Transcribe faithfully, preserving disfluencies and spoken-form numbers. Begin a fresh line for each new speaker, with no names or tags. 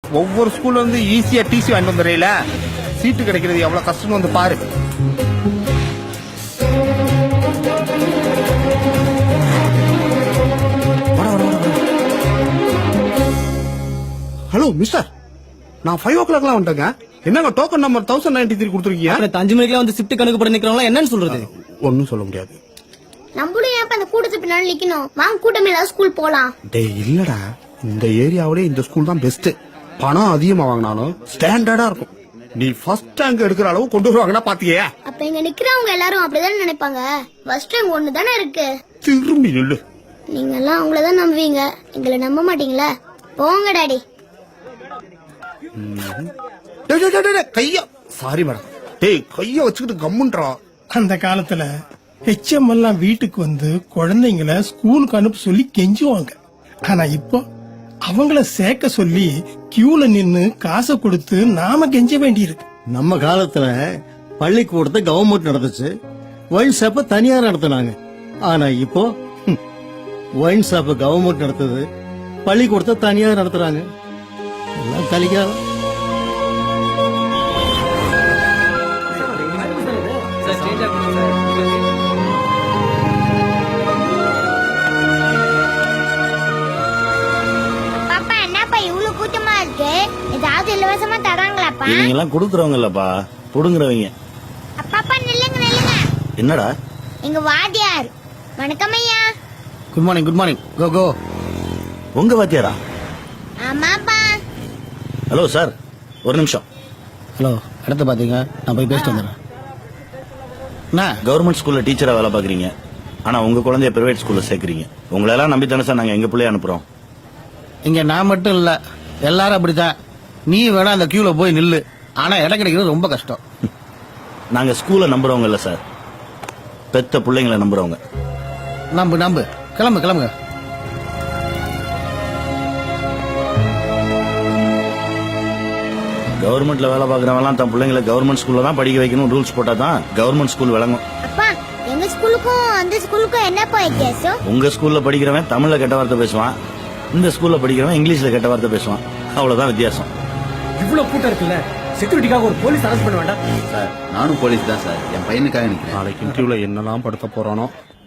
ஒவ்வொரு ஸ்கூல்ல இருந்து ஈஸியா டிசி வாங்கிட்டு வந்துடுறீல, சீட்டு கிடைக்கிறது எவ்வளவு கஷ்டம்னு வந்து பாரு. ஹலோ மிஸ்டர், நான் ஃபைவ் ஓ கிளாக்லாம் வந்துட்டேங்க. என்னங்க token number thousand ninety three கொடுத்துருக்கீங்க?
அஞ்சு மணிக்கெல்லாம் வந்து ஷிஃப்ட் கணக்கு போட நிக்கிறவங்க என்னன்னு சொல்றது?
ஒன்னும் சொல்ல முடியாது.
நம்மளும் ஏன் அந்த கூட்டத்துக்கு பின்னாடி நிக்கணும்? வாங்க கூட்டம் ஏதாவது ஸ்கூல் போலாம்.
டேய் இல்லடா, இந்த ஏரியாவிலே இந்த ஸ்கூல் தான் பெஸ்ட். பணம் அதிகமா வாங்கினாலும் ஸ்டாண்டர்டா இருக்கும். நீ ஃபர்ஸ்ட் ரேங்க் எடுக்கிற அளவு கொண்டு வருவாங்கன்னா பாத்தியே.
அப்ப இங்க நிக்கிறவங்க எல்லாரும் அப்படிதானே நினைப்பாங்க. ஃபர்ஸ்ட் ரேங்க் ஒண்ணு தானே இருக்கு.
திரும்பி நில்லு.
நீங்க எல்லாம் அவங்களதான் நம்புவீங்க, எங்களை நம்ப மாட்டீங்களா? போங்க டாடி.
கையா சாரி மேடம். டேய் கைய வச்சுக்கிட்டு கம்முன்றா.
அந்த காலத்துல ஹெச்எம் எல்லாம் வீட்டுக்கு வந்து குழந்தைங்கள ஸ்கூலுக்கு அனுப்ப சொல்லி கெஞ்சுவாங்க. ஆனா இப்போ அவங்கள சேர்க்க சொல்லி கியூல நின்னு காசை கொடுத்து நாம கெஞ்ச வேண்டியிருக்கு.
நம்ம காலத்துல பள்ளிக்கூடத்தை கவர்மெண்ட் நடந்துச்சு, ஒயின் ஷாப்ப தனியார் நடத்தினாங்க. ஆனா இப்போ ஒயின் ஷாப்ப கவர்மெண்ட் நடத்துது, பள்ளிக்கூடத்தை தனியார் நடத்துறாங்க. எல்லாம் கலிகாலம்.
பாப்பா என்னப்பா இவ்வளவு கூட்டமா இருக்கு? ஏதாவது இலவசமா தராங்களாப்பா?
இவங்க எல்லாம் கொடுக்கறவங்க இல்லப்பா, புடுங்குறவங்க.
அப்பாப்பா நில்லுங்க நில்லுங்க.
என்னடா?
எங்க வாத்தியார். வணக்கம் ஐயா.
Good morning good morning. Go go.
உங்க வாத்தியாரா?
ஆமாப்பா.
ஹலோ சார், ஒரு நிமிஷம்.
ஹலோ, இடத்த பாத்தீங்க, நான் போய் பேசிட்டு வந்துடுறேன்.
கவர்மெண்ட் ஸ்கூல்ல டீச்சரா வேலை பாக்குறீங்க, ஆனா உங்க குழந்தைய பிரைவேட் ஸ்கூல்ல சேர்க்கறீங்க. உங்களை எல்லாம் நம்பி தானே சார் நாங்க எங்க பிள்ளைய அனுப்புறோம்.
இங்க நான் மட்டும் இல்ல, எல்லாரும் அப்படித்தான். நீ வேணா அந்த கியூல போய் நில்லு, ஆனா இடம் கிடைக்கிறது ரொம்ப கஷ்டம்.
நாங்க ஸ்கூல்ல நம்புறவங்க இல்ல சார், பெத்த பிள்ளைங்களை நம்புறவங்க.
நம்பு நம்பு, கிளம்பு கிளம்புங்க.
கவர்மெண்ட்ல வேலை பாக்குறவங்க எல்லாம் தன் பிள்ளைங்களை கவர்மெண்ட் ஸ்கூல்ல தான் படிக்க வைக்கணும் ரூல்ஸ் போட்டா தான் கவர்மெண்ட் ஸ்கூல் விளங்கும்.
அப்பா எங்க ஸ்கூலுக்கும் அந்த ஸ்கூலுக்கும் என்னப்பா வித்தியாசம்?
உங்க ஸ்கூல்ல படிக்கிறவன் தமிழ்ல கெட்ட வார்த்தை பேசுவான், இந்த ஸ்கூல்ல படிக்கிறவன் இங்கிலீஷ்ல கெட்ட வார்த்தை பேசுவான். அவ்வளவுதான் வித்தியாசம்.
இவ்வளவு கூட்டம் இருக்குல்ல, செக்யூரிட்டிக்காக ஒரு போலீஸ் அரெஸ்ட் பண்ண வேண்டாம்
சார்? நானும் போலீஸ் தான் சார், என் பையனுக்காக நிக்கிறேன்.
நாளைக்கு இன்டர்வியூல என்னெல்லாம் படுத்த போறானோ.